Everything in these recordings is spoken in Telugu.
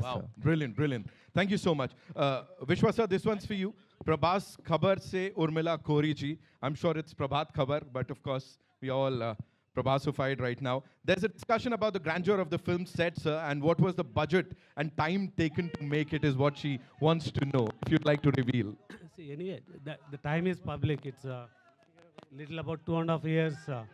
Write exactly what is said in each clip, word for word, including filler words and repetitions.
Yes, Wow, sir. brilliant, brilliant. Thank you so much. Uh, Vishwa sir, this one's for you. Prabhas Khabar se Urmila Kori ji. I'm sure it's Prabhat Khabar, but of course, we all uh, Prabhasified right now. There's a discussion about the grandeur of the film set, sir, and what was the budget and time taken to make it is what she wants to know, if you'd like to reveal. See, anyway, the, the time is public. It's a little about two and a half years. Uh,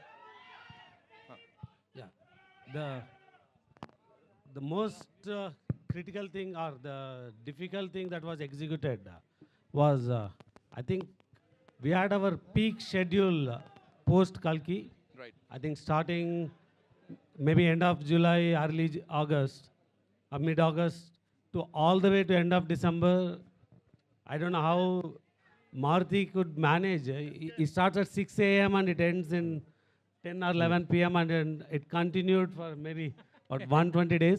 yeah. The the most uh, critical thing or the difficult thing that was executed uh, was, uh, I think, we had our peak schedule uh, post Kalki. Right. I think starting maybe end of July, early J- August, or mid August to all the way to end of December. I don't know how Maruti could manage. Uh, It it starts at six a m and it ends in ten or eleven p m and then it continued for maybe what one hundred twenty days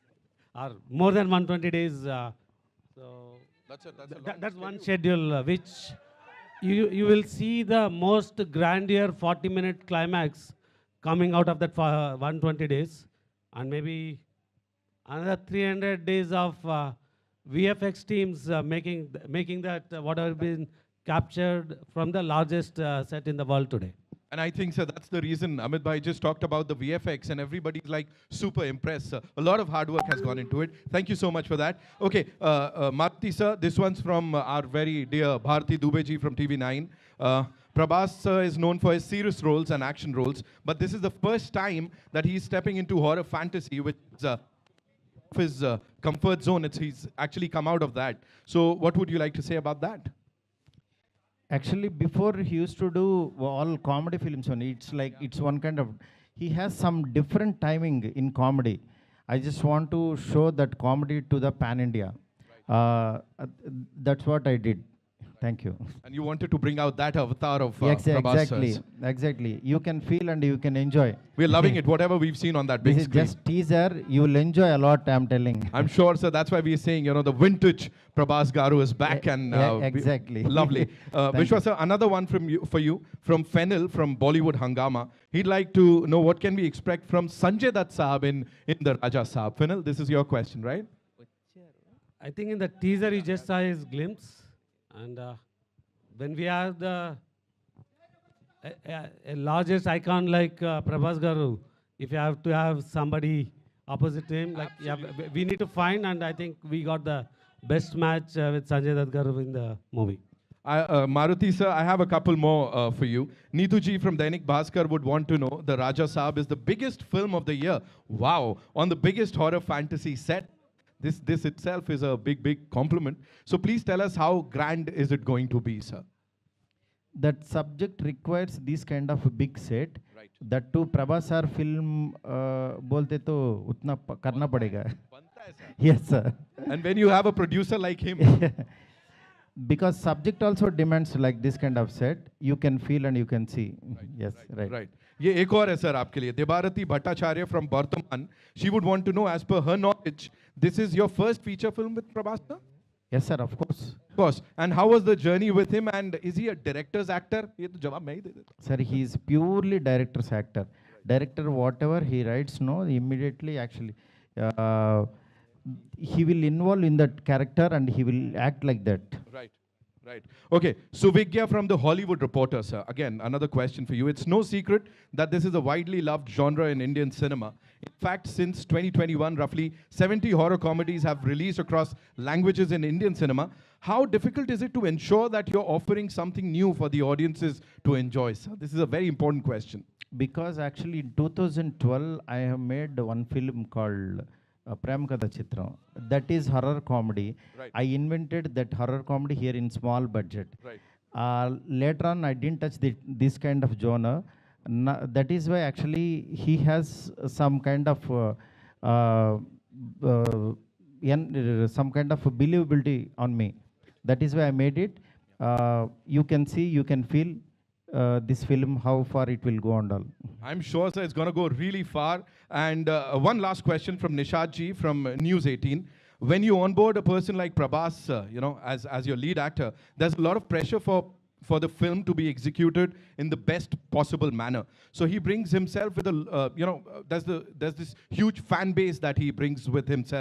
or more than one hundred twenty days. Uh, so That's a, that's Th- that- that's one schedule uh, which you you will see the most grandeur forty minute climax coming out of that for uh, one hundred twenty days, and maybe another three hundred days of uh, V F X teams uh, making th- making that uh, whatever been captured from the largest uh, set in the world today. And I think, sir, that's the reason Amit Bhai just talked about the V F X and everybody's like super impressed, sir. A lot of hard work has gone into it. Thank you so much for that. Okay, uh, uh, Maruti, sir, this one's from uh, our very dear Bharti Dubey ji from T V nine. Uh, Prabhas sir is known for his serious roles and action roles, but this is the first time that he's stepping into horror fantasy, which is uh, of his uh, comfort zone. It's, he's actually come out of that. So what would you like to say about that? Actually, before he used to do all comedy films only. It's like it's one kind of. He has some different timing in comedy. I just want to show that comedy to the pan India. Uh, uh, that's what I did. Thank you. And you wanted to bring out that avatar of uh, Yes, Prabhas exactly, sir's. exactly. You can feel and you can enjoy. We're loving it, whatever we've seen on that big This is screen. just teaser. You will enjoy a lot. I'm telling. I'm sure, sir. That's why we're saying, you know, the vintage Prabhas Garu is back, E- and e- uh, we- exactly. lovely. Uh, Thank Vishwa, you. sir, another one from you for you from Fennel from Bollywood Hangama. He'd like to know what can we expect from Sanjay Dutt Saab in in the Raja Saab. Fennel, this is your question, right? I think in the teaser you just saw his glimpse, and uh, when we have the a, a, a largest icon like uh, Prabhas Garu, if you have to have somebody opposite to him, like yeah, w- we need to find, and I think we got the best match uh, with Sanjay Dutt Garu in the movie. I, uh, Maruti, sir, I have a couple more uh, for you. Neetu ji from Dainik Bhaskar would want to know the Raja Saab is the biggest film of the year. Wow, on the biggest horror fantasy set. This, this itself is a big, big compliment. So please tell us how grand is it going to be, sir? That subject requires this kind of a big set. Right. That too, Prabhas sir film uh, बोलते तो उतना प- करना पड़ेगा. Yes, sir. And when you have a producer like him, Because subject also demands like this kind of set. You can feel and you can see. Yes, right. right. ये एक और है सर आपके लिए देबारती Bhattacharya from Bardhaman. She would want to know, as per her knowledge, this is your first feature film with Prabhas, sir? Yes, sir, of course. Of course. And how was the journey with him? And is he a director's actor? ये तो जवाब मैं ही दे देता हूँ. Sir, he is purely director's actor. Director, whatever he writes, no, immediately actually, uh, he will involve in that character and he will act like that. Right, right. Okay, Suvigya from the Hollywood Reporter, sir. Again, another question for you. It's no secret that this is a widely loved genre in Indian cinema. In fact, since twenty twenty-one, roughly seventy horror comedies have released across languages in Indian cinema. How difficult is it to ensure that you're offering something new for the audiences to enjoy, sir? This is a very important question. Because actually in two thousand twelve, I have made one film called uh, Prem Katha Chitram. That is horror comedy. Right. I invented that horror comedy here in small budget. Right. Uh, later on, I didn't touch the, this kind of genre. Na- that is why actually he has some kind of uh, uh, uh, en- uh, some kind of believability on me. That is why I made it. Uh, you can see, you can feel uh, this film, how far it will go and all. I'm sure, sir, it's going to go really far. And uh, one last question from Nishad ji from uh, News eighteen. When you onboard a person like Prabhas, uh, you know, as, as your lead actor, there's a lot of pressure for, for the film to be executed in the best possible manner. So he brings himself with a, uh, you know, uh, there's, the, there's this huge fan base that he brings with himself.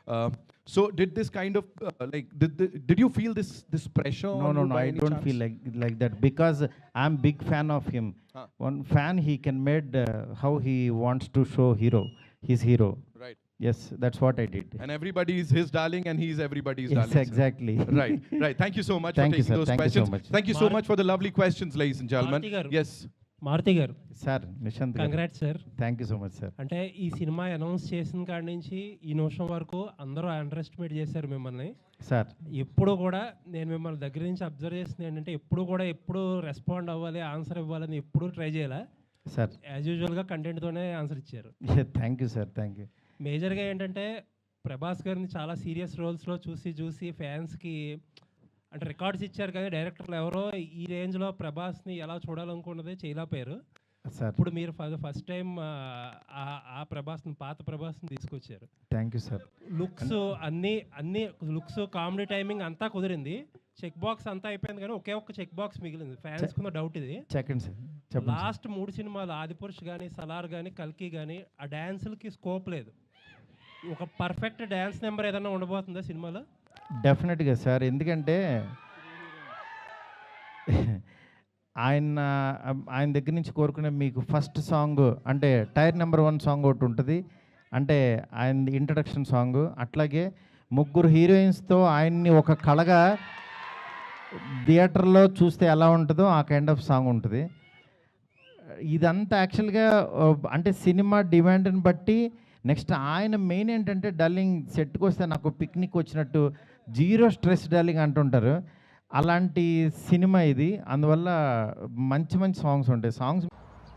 Uh, so did this kind of uh, like did the, did you feel this this pressure? No, on no, you no. by I any don't chance? feel like like that because I'm big fan of him. Huh. One fan, he can made uh, how he wants to show hero, his hero. Right. Yes, that's what I did. And everybody is his darling, and he's everybody's Yes, darling. sir. exactly. Right, right. Thank you so much Thank for you, taking sir. those Thank you so questions. much. Thank you so Mar- much for the lovely questions, ladies and gentlemen. Maruti garu. Yes. Maruthi garu sir Nishanth congrats sir. Thank you so much sir. అంటే ఈ సినిమా అనౌన్స్ చేసిన కాడి నుంచి ఈ నిమిషం వరకు అందరూ అండర్ ఎస్టిమేట్ చేశారు మిమ్మల్ని. సార్ ఎప్పుడు కూడా నేను మిమ్మల్ని దగ్గర నుంచి అబ్జర్వ్ చేసింది ఏంటంటే ఎప్పుడు కూడా ఎప్పుడు రెస్పాండ్ అవ్వాలి, ఆన్సర్ ఇవ్వాలని ఎప్పుడు ట్రై చేయాలి. సార్ యాజ్ యూజువల్గా కంటెంట్తోనే ఆన్సర్ ఇచ్చారు. Thank you sir. Thank you. మేజర్గా ఏంటంటే ప్రభాస్ గారిని చాలా సీరియస్ రోల్స్లో చూసి చూసి ఫ్యాన్స్కి అంటే రికార్డ్స్ ఇచ్చారు కానీ డైరెక్టర్లు ఎవరో ఈ రేంజ్లో ప్రభాస్ని ఎలా చూడాలనుకున్నది చేయలేకపోయారు. సార్ ఇప్పుడు మీరు ఫస్ట్ టైం ఆ ప్రభాస్ని పాత ప్రభాస్ని తీసుకొచ్చారు. Thank you sir. లుక్స్ అన్ని అన్ని లుక్స్ కామెడీ టైమింగ్ అంతా కుదిరింది. చెక్ బాక్స్ అంతా అయిపోయింది కానీ ఒకే ఒక్క చెక్ బాక్స్ మిగిలింది. ఫ్యాన్స్ కున్న డౌట్ ఇది. సెకండ్ సార్ చెప్పండి. లాస్ట్ మూడు సినిమాలు ఆదిపురుష్ కానీ సలార్ కానీ కల్కి కానీ ఆ డ్యాన్సులకి స్కోప్ లేదు. ఒక పర్ఫెక్ట్ డ్యాన్స్ నెంబర్ ఏదైనా ఉండబోతుందా సినిమాలో? డెఫినెట్గా సార్. ఎందుకంటే ఆయన ఆయన దగ్గర నుంచి కోరుకునే మీకు ఫస్ట్ సాంగ్ అంటే టైర్ నెంబర్ వన్ సాంగ్ ఒకటి ఉంటుంది, అంటే ఆయన ఇంట్రడక్షన్ సాంగ్. అట్లాగే ముగ్గురు హీరోయిన్స్తో ఆయన్ని ఒక కళగా థియేటర్లో చూస్తే ఎలా ఉంటుందో ఆ కైండ్ ఆఫ్ సాంగ్ ఉంటుంది. ఇదంతా యాక్చువల్గా అంటే సినిమా డిమాండ్ని బట్టి నెక్స్ట్ ఆయన మెయిన్ ఏంటంటే డల్లింగ్ సెట్కి వస్తే నాకు పిక్నిక్ వచ్చినట్టు జీరో స్ట్రెస్ డల్లింగ్ అంటుంటారు. అలాంటి సినిమా ఇది. అందువల్ల మంచి మంచి సాంగ్స్ ఉంటాయి. సాంగ్స్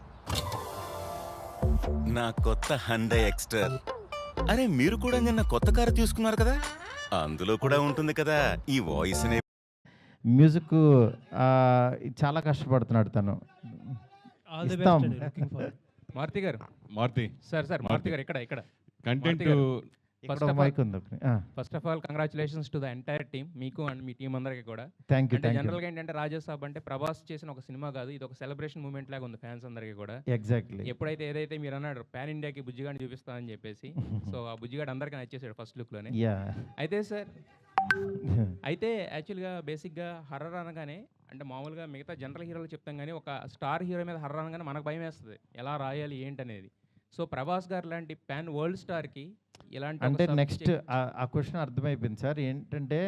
నా కొత్త హండై ఎక్స్టర్. అరే మీరు కూడా నిన్న కొత్త కారు తీసుకున్నారు కదా, అందులో కూడా ఉంటుంది కదా ఈ వాయిస్. మ్యూజిక్ చాలా కష్టపడుతున్నాడు తను. ఆల్ ది ఇస్తాం. Best. Looking for Maruthi garu. Maruthi sir sir Maruti గారు ఇక్కడ ఇక్కడ కంటెంట్ గారు. ఇక్కడ First ఒక of all- మైక్ ఉంది. First of all congratulations to the entire team, మీకు అండ్ మీ టీం అందరికీ కూడా. Thank you. అంటే థ్యాంక్ యూ. జనరల్గా ఏంటంటే రాజాసాబ్ అంటే ప్రభాస్ చేసిన ఒక సినిమా కాదు, ఇది ఒక సెలబ్రేషన్ మూమెంట్ లాగా ఉంది ఫ్యాన్స్ అందరికీ కూడా. ఎగ్జాక్ట్లీ. ఎప్పుడైతే ఏదైతే మీరు అన్నాడు పాన్ ఇండియాకి బుజ్జిగాడిని చూపిస్తానని చెప్పేసి, సో ఆ బుజ్జిగాడు అందరికీ నచ్చేసాడు ఫస్ట్ లుక్లోనే. యా. అయితే సార్ అయితే యాక్చువల్గా బేసిక్గా హర్రర్ అనగానే అంటే మామూలుగా మిగతా జనరల్ హీరోలు చెప్తాం కానీ ఒక స్టార్ హీరో మీద హర్రర్ అనగానే మనకు భయం వేస్తుంది ఎలా రాయాలి ఏంటనేది. సో ప్రభాస్ గారు లాంటి పాన్ వరల్డ్ స్టార్కి ఇలాంటి అంటే నెక్స్ట్ ఆ క్వశ్చన్ అర్థమైపోయింది సార్. ఏంటంటే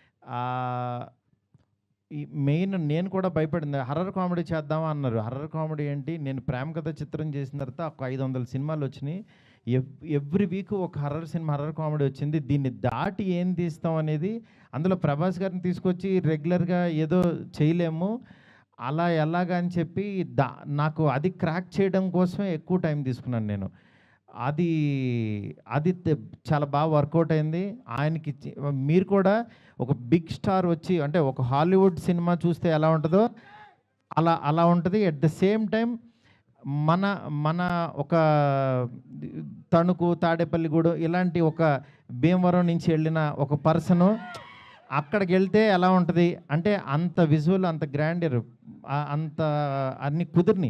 ఈ మెయిన్ నేను కూడా భయపడింది. హర్రర్ కామెడీ చేద్దామా అన్నారు. హర్రర్ కామెడీ ఏంటి, నేను ప్రేమ కథ చిత్రం చేసిన తర్వాత ఒక ఐదు వందల సినిమాలు వచ్చినాయి. ఎవ్ ఎవ్రీ వీక్ ఒక హర్రర్ సినిమా హర్రర్ కామెడీ వచ్చింది. దీన్ని దాటి ఏం తీస్తాం అనేది, అందులో ప్రభాస్ గారిని తీసుకొచ్చి రెగ్యులర్గా ఏదో చేయలేము, అలా ఎలాగా అని చెప్పి దా నాకు అది క్రాక్ చేయడం కోసమే ఎక్కువ టైం తీసుకున్నాను నేను. అది అది తె- చాలా బాగా వర్కౌట్ అయింది. ఆయనకి ఇచ్చి- మీరు కూడా ఒక బిగ్ స్టార్ వచ్చి అంటే ఒక హాలీవుడ్ సినిమా చూస్తే ఎలా ఉంటుందో అలా అలా ఉంటుంది. ఎట్ ద సేమ్ టైం మన మన ఒక తణుకు తాడేపల్లిగూడెం ఇలాంటి ఒక భీమవరం నుంచి వెళ్ళిన ఒక పర్సను అక్కడికి వెళ్తే ఎలా ఉంటుంది అంటే అంత విజువల్, అంత గ్రాండర్, అంత అన్ని కుదిరిని.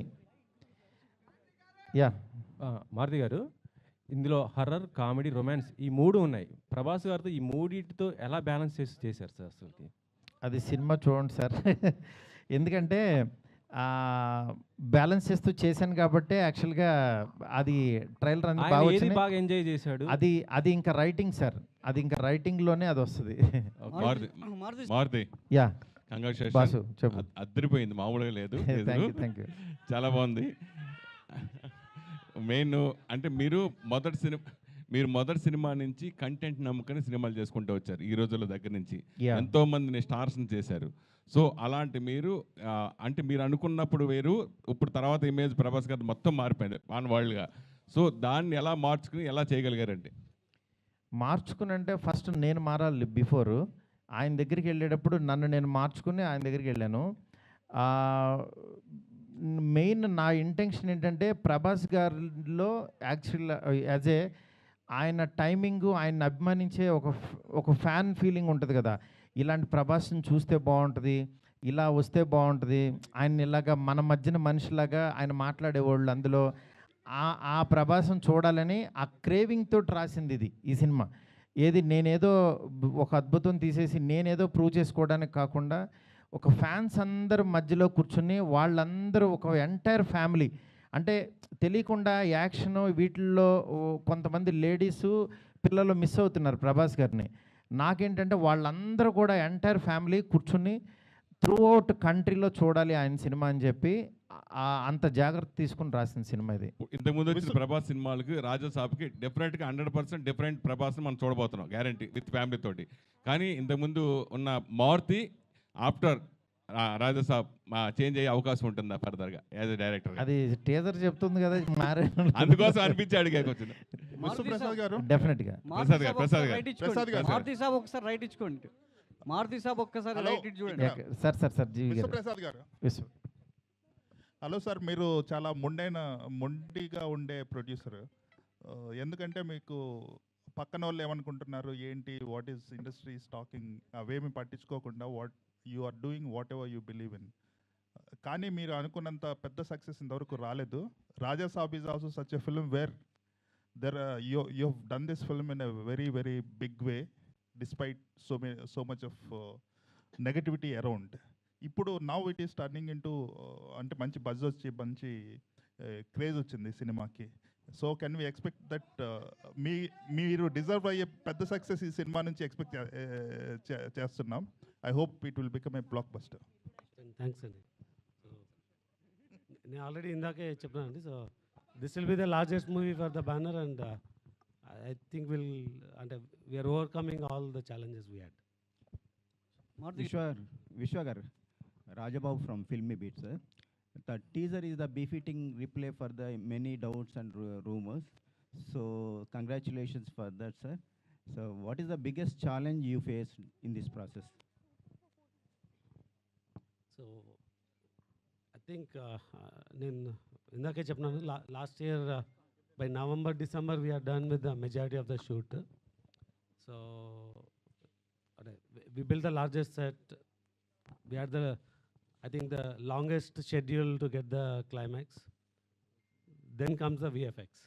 యా. ఆ, మారుతి గారు, ఇందులో హర్రర్, కామెడీ, రొమాన్స్ ఈ మూడు ఉన్నాయి. ప్రభాస్ గారితో ఈ మూడింటితో ఎలా బ్యాలెన్స్ చేసి చేశారు సార్ అసలుకి? అది సినిమా చూడండి సార్. ఎందుకంటే బ్యాలెన్స్ చేస్తూ చేశాను కాబట్టి యాక్చువల్గా అది ట్రైలర్ అనేది ఆయన బాగా ఏది వచ్చినాయి. బాగా ఎంజాయ్ చేశాడు? అది అది ఇంకా రైటింగ్ సార్, అది ఇంకా రైటింగ్లోనే అది వస్తుంది. Maruthi Maruthi yeah congratulation. Boss చెప్పు. అద్దరిపోయింది, మామూలుగా లేదు. Thank you thank you. చాలా బాగుంది. మెయిన్ అంటే మీరు మొదటి సినిమా మీరు మొదటి సినిమా నుంచి కంటెంట్ నమ్ముకొని సినిమాలు చేసుకుంటూ వచ్చారు. ఈ రోజుల దగ్గర నుంచి Yeah. ఎంతో మందిని స్టార్స్ని చేశారు. సో అలాంటి మీరు ఆ, అంటే మీరు అనుకున్నప్పుడు వేరు, ఇప్పుడు తర్వాత ఇమేజ్ ప్రభాస్ గారు మొత్తం మారిపోయింది వాన్ వరల్డ్గా. సో దాన్ని ఎలా మార్చుకుని ఎలా చేయగలిగారండి? మార్చుకుని అంటే ఫస్ట్ నేను మారాలి. బిఫోర్ ఆయన దగ్గరికి వెళ్ళేటప్పుడు నన్ను నేను మార్చుకుని ఆయన దగ్గరికి వెళ్ళాను. మెయిన్ నా ఇంటెన్షన్ ఏంటంటే ప్రభాస్ గారిలో యాక్చువల్ యాజ్ ఏ ఆయన టైమింగు, ఆయన అభిమానించే ఒక ఫ్- ఒక ఫ్యాన్ ఫీలింగ్ ఉంటుంది కదా, ఇలాంటి ప్రభాస్ని చూస్తే బాగుంటుంది, ఇలా వస్తే బాగుంటుంది, ఆయన ఇలాగా మన మధ్యన మనిషిలాగా ఆయన మాట్లాడేవాళ్ళు, అందులో ఆ ఆ ప్రభాసం చూడాలని ఆ క్రేవింగ్ తోటి రాసింది ఇది ఈ సినిమా. ఏది నేనేదో బ్ ఒక అద్భుతం తీసేసి నేనేదో ప్రూవ్ చేసుకోవడానికి కాకుండా, ఒక ఫ్యాన్స్ అందరు మధ్యలో కూర్చొని వాళ్ళందరూ ఒక ఎంటైర్ ఫ్యామిలీ అంటే తెలియకుండా యాక్షను వీటిల్లో ఓ కొంతమంది లేడీసు, పిల్లలు మిస్ అవుతున్నారు ప్రభాస్ గారిని. నాకేంటంటే వాళ్ళందరూ కూడా ఎంటైర్ ఫ్యామిలీ కూర్చుని త్రూ అవుట్ కంట్రీలో చూడాలి ఆయన సినిమా అని చెప్పి ఆ- అంత జాగ్రత్త తీసుకుని రాసిన సినిమా ఇది. ఇంతకుముందు వచ్చిన ప్రభాస్ సినిమాలకి రాజా సాబ్కి డెఫినెట్గా హండ్రెడ్ పర్సెంట్ డిఫరెంట్ ప్రభాస్ని మనం చూడబోతున్నాం గ్యారంటీ విత్ ఫ్యామిలీ తోటి. కానీ ఇంతకుముందు ఉన్న మారుతి ఆఫ్టర్ రాజా సాబ్ చేంజ్ అయ్యే అవకాశం ఉంటుందా ఫర్దర్గా యాజ్ ఎ డైరెక్టర్? అది టీజర్ చెప్తుంది కదా మారే అందుకోసం అనిపించి అడిగాక వచ్చింది. విశ్వప్రసాద్ గారు డెఫినెట్గా ప్రసాద్ గారు, ప్రసాద్ గారు. ప్రసాద్ గారు. మారుతి సాబ్ ఒకసారి రైట్ ఇచ్చుకోండి. మారుతి సాబ్ ఒక్కసారి హలో. రైట్ ఇటు చూడండి. సార్ సార్ సార్ జీవి గారు విశ్వప్రసాద్ గారు. విశ్వ హలో సార్, మీరు చాలా మొండైన మొండిగా ఉండే ప్రొడ్యూసర్. ఎందుకంటే మీకు పక్కన వాళ్ళు ఏమనుకుంటున్నారు ఏంటి, వాట్ ఈస్ ఇండస్ట్రీ టాకింగ్ అవేమి పట్టించుకోకుండా what you are doing whatever you believe in. కానీ మీరు అనుకున్నంత పెద్ద సక్సెస్ ఇంతవరకు రాలేదు. Raja Saab is also such a film where there you you have done this film in a very very big way despite so may so much of negativity around. ఇప్పుడు now it is turning into అంటే మంచి బజ్ వచ్చి మంచి క్రేజ్ వచ్చింది సినిమాకి. So can we expect that మీ మీరు డిజర్వ్ అయ్యే పెద్ద సక్సెస్ ఈ సినిమా నుంచి ఎక్స్పెక్ట్ చేస్తున్నాం. I hope it will become a blockbuster. Thanks అండి. సో నేను ఆల్రెడీ ఇందాకే చెప్పానండి. So this will be the largest movie for the banner and I think will అంటే we're overcoming all the challenges we had. Maruthi Vishwa, Vishwagar, Rajababu from Filmy Beat, sir. The teaser is the befitting replay for the many doubts and ru- rumors. So, congratulations for that, sir. So, what is the biggest challenge you faced in this process? So I think నేను ఇందాకే చెప్పినాను లా last year by November December we're done with the majority of the shoot. So అదే we build the largest set, we are the I think the longest schedule to get the climax. Then comes the VFX.